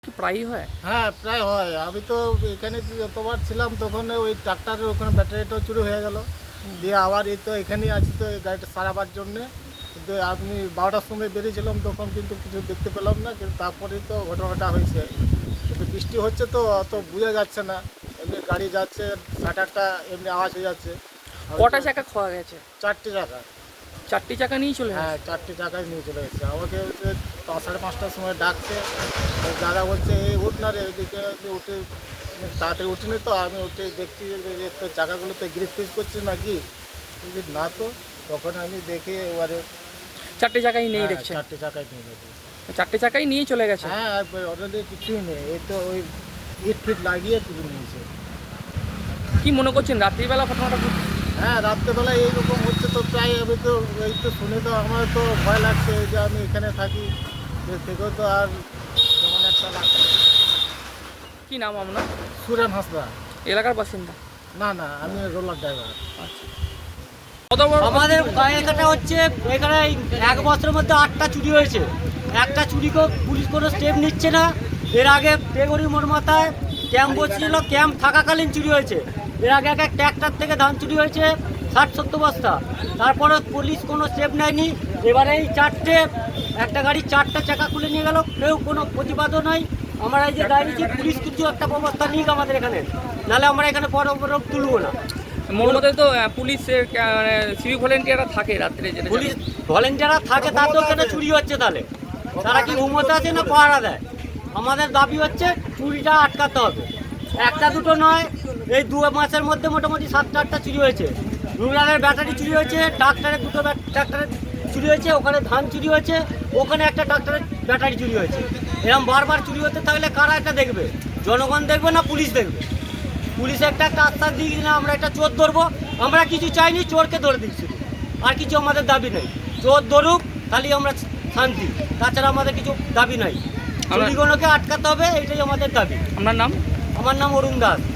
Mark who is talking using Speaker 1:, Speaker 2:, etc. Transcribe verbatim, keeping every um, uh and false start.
Speaker 1: প্রায়ই হয়?
Speaker 2: হ্যাঁ, প্রায় হয়। আমি তো এখানে যতবার ছিলাম তখন ওই ট্রাক্টরের ওখানে ব্যাটারিটাও চুরি হয়ে গেল। দিয়ে আবার এই তো এখানেই আছি তো এই গাড়িটা সারাবার জন্যে। কিন্তু আমি বারোটার সময় বেরিয়েছিলাম তখন কিন্তু কিছু দেখতে পেলাম না, কিন্তু তারপরেই তো ঘটনাটা হয়েছে। কিন্তু বৃষ্টি হচ্ছে তো অত বোঝা যাচ্ছে না, এমনি গাড়ি যাচ্ছে শাটারটা এমনি আওয়াজ হয়ে যাচ্ছে।
Speaker 1: কটা চাকা খোয়া গেছে?
Speaker 2: চারটে চাকা।
Speaker 1: চারটি চাকা নিয়েই চলে
Speaker 2: হ্যাঁ,
Speaker 1: গেছে?
Speaker 2: চারটে চাকায় নিয়ে চলে এসেছে। আমাকে হচ্ছে পাঁচ সাড়ে পাঁচটার সময় ডাকছে, ওই দাদা বলছে এই উঠ না রে, এদিকে আমি উঠে তাড়াতাড়ি উঠিনি তো আমি উঠে দেখছি যে যে তো চাকাগুলোতে গ্রিপ ফিস করছে নাকি, বলছি না তো। তখন আমি দেখি এবারে
Speaker 1: চারটে চাকাই নেই
Speaker 2: হ্যাঁ,
Speaker 1: দেখছেন?
Speaker 2: চারটে চাকায় নিয়ে গেছে।
Speaker 1: চারটে চাকাই নিয়ে চলে গেছে?
Speaker 2: হ্যাঁ, আর অলরেডি কিছুই নেই, এই তো ওই ইট ফিট লাগিয়ে তুলে নিয়েছে।
Speaker 1: কি মনে করছেন রাত্রিবেলা ঘটনাটা ঘটছে?
Speaker 2: হ্যাঁ, রাত্রেবেলা এইরকম হচ্ছে তো প্রায়। আমি তো এই তো শুনে তো আমার তো ভয় লাগছে যে আমি এখানে থাকি, এর থেকেও তো আর যেমন একটা লাগছে।
Speaker 1: কি নাম আপনার?
Speaker 2: সুরেন হাসদা।
Speaker 1: এলাকার বাসিন্দা?
Speaker 2: না না, আমি রোলার ড্রাইভার।
Speaker 1: আচ্ছা। কত বড়
Speaker 3: আমাদের এখানটা হচ্ছে এখানে এক বছরের মধ্যে আটটা চুরি হয়েছে। একটা চুরিকেও পুলিশ কোনো স্টেপ নিচ্ছে না। এর আগে বেগরি মোড় মাথায় ক্যাম্প বসছিল, ক্যাম্প থাকাকালীন চুরি হয়েছে। এর আগে এক ট্র্যাক্টর থেকে ধান চুরি হয়েছে ষাট সত্তর বস্তা, তারপরে পুলিশ কোনো স্টেপ নেয়নি। এবারে এই চারটে একটা গাড়ি চারটা চাকা খুলে নিয়ে গেল, কেউ কোনো প্রতিবাদও নাই। আমরা এই যে দাঁড়িয়েছি, পুলিশ কিছু একটা ব্যবস্থা নিক আমাদের এখানে, নাহলে আমরা এখানে বড় বড় তুলবো না।
Speaker 1: মোর মধ্যে তো আহ, পুলিশের মানে সিভিক ভলেন্টিয়াররা থাকে রাত্রে, যেটা
Speaker 3: পুলিশ ভলেন্টিয়াররা থাকে, তাতেও কেন চুরি হচ্ছে? তাহলে তারা কি ঘুমোতে আছে না পাহারা দেয়? আমাদের দাবি হচ্ছে চুরিটা আটকাতে হবে। একটা দুটো নয়, এই দু মাসের মধ্যে মোটামুটি সাতটা আটটা চুরি হয়েছে। রুরালের ব্যাটারি চুরি হয়েছে, ট্রাক্টরের দুটো ট্রাক্টরের চুরি হয়েছে, ওখানে ধান চুরি হয়েছে, ওখানে একটা ট্রাক্টরের ব্যাটারি চুরি হয়েছে। এরকম বারবার চুরি হতে থাকলে কারা এটা দেখবে? জনগণ দেখবে না পুলিশ দেখবে? পুলিশ একটা একটা আশ্বাস দিই না আমরা একটা চোর ধরবো, আমরা কিছু চাইনি, চোরকে ধরে দিচ্ছি। আর কিছু আমাদের দাবি নেই, চোর ধরুক তাহলে আমরা শান্তি, তাছাড়া আমাদের কিছু দাবি নাই। চুরিগুলোকে আটকাতে হবে, এটাই আমাদের দাবি।
Speaker 1: আপনার নাম?
Speaker 3: আমার নাম অরুণ দাস।